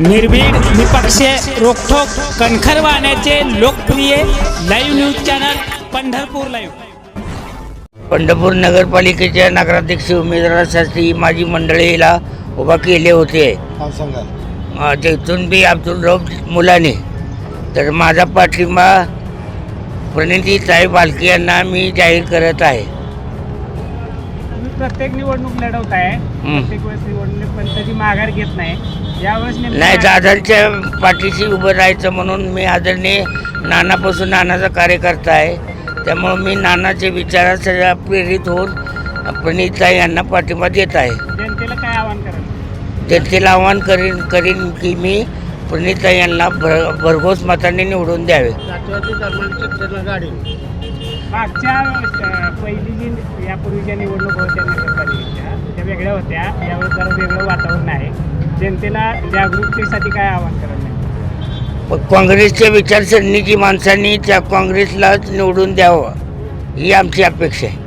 निर्भीड निपक्ष रोखोक कणखर वाहण्याचे लोकप्रिय live news channel Pandharpur live. Pandharpur नगरपालिकेच्या नगराध्यक्ष उमेदवारासाठी माझी मंडळीला उभा केले होते। तिथून बी अब्दुल रऊफ मुलाने तर माझा पाठिंबा प्रणितीताई बालके यांना मी जाहीर करत आहे। प्रत्येक निवडणूक लढवत आहे, प्रत्येक वेळेस निवडणूक पण त्याची माघार घेत नाही। यावेळेस नाही, दादांच्या पाठीशी उभं राहायचं म्हणून मी आदरणीय नानापासून नानाचा कार्यकर्ता आहे, त्यामुळे मी नानाच्या विचारात प्रेरित होऊन प्रणितीताई यांना पाठिंबा देत आहे। जनतेला काय आवाहन कराल? जनतेला आवाहन करीन की मी प्रणितीताई यांना भरघोस मताने निवडून द्यावे। मागच्या पहिली जी यापूर्वीच्या निवडणूक होत्या नगरपालिकेच्या त्या वेगळ्या होत्या, यावेळेस जरा वेगळं वातावरण आहे। जनतेला जागरूकतेसाठी काय आवाहन कराल? काँग्रेसच्या विचारसरणीची माणसांनी त्या काँग्रेसलाच निवडून द्यावं ही आमची अपेक्षा आहे।